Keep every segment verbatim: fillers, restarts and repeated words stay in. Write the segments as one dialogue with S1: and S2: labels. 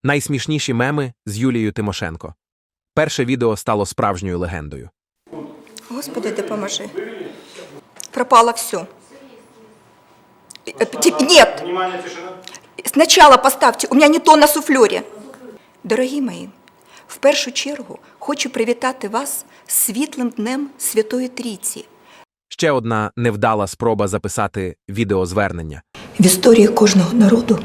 S1: Найсмішніші меми з Юлією Тимошенко. Перше відео стало справжньою легендою.
S2: Господи, допоможи. Пропало все. Нет.
S3: Внимание, тишина.
S2: Сначала поставьте, у меня не то на суфльорі. Дорогі мої, в першу чергу хочу привітати вас з світлим днем Святої Трійці.
S1: Ще одна невдала спроба записати відеозвернення.
S2: В історії кожного народу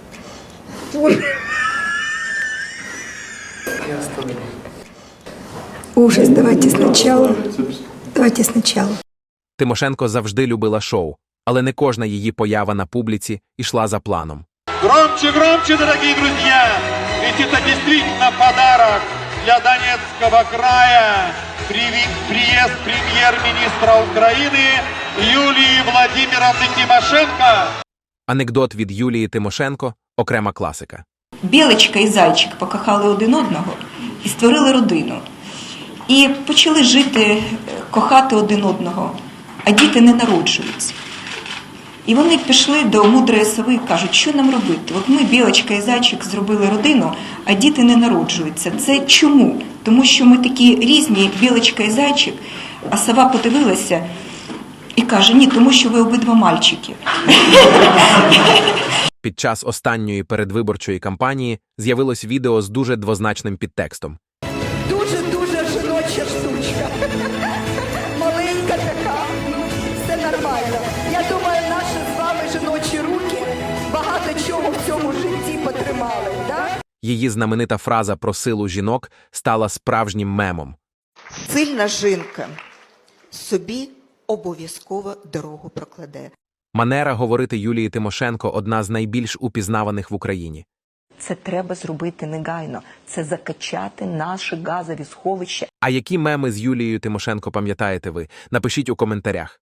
S2: ужас, давайте спочатку. Давайте спочатку.
S1: Тимошенко завжди любила шоу, але не кожна її поява на публіці йшла за планом.
S4: Громче, громче, дорогие друзья! Ведь это действительно подарок для Донецкого края. Приви- Приезд премьер-министра Украины Юлии Владимировны Тимошенко.
S1: Анекдот від Юлії Тимошенко – окрема класика.
S2: Білочка і зайчик покохали один одного і створили родину. І почали жити, кохати один одного, а діти не народжуються. І вони пішли до мудрої сови і кажуть, що нам робити? От ми, білочка і зайчик, зробили родину, а діти не народжуються. Це чому? Тому що ми такі різні, білочка і зайчик, а сова подивилася і каже, ні, тому що ви обидва мальчики.
S1: Під час останньої передвиборчої кампанії з'явилось відео з дуже двозначним підтекстом.
S5: Дуже-дуже жіноча штучка. Маленька така. Все нормально. Я думаю, наші з вами жіночі руки багато чого в цьому житті потримали, да?
S1: Її знаменита фраза про силу жінок стала справжнім мемом.
S6: Сильна жінка собі обов'язково дорогу прокладе.
S1: Манера говорити Юлії Тимошенко – одна з найбільш упізнаваних в Україні.
S7: Це треба зробити негайно. Це закачати наші газові сховища.
S1: А які меми з Юлією Тимошенко пам'ятаєте ви? Напишіть у коментарях.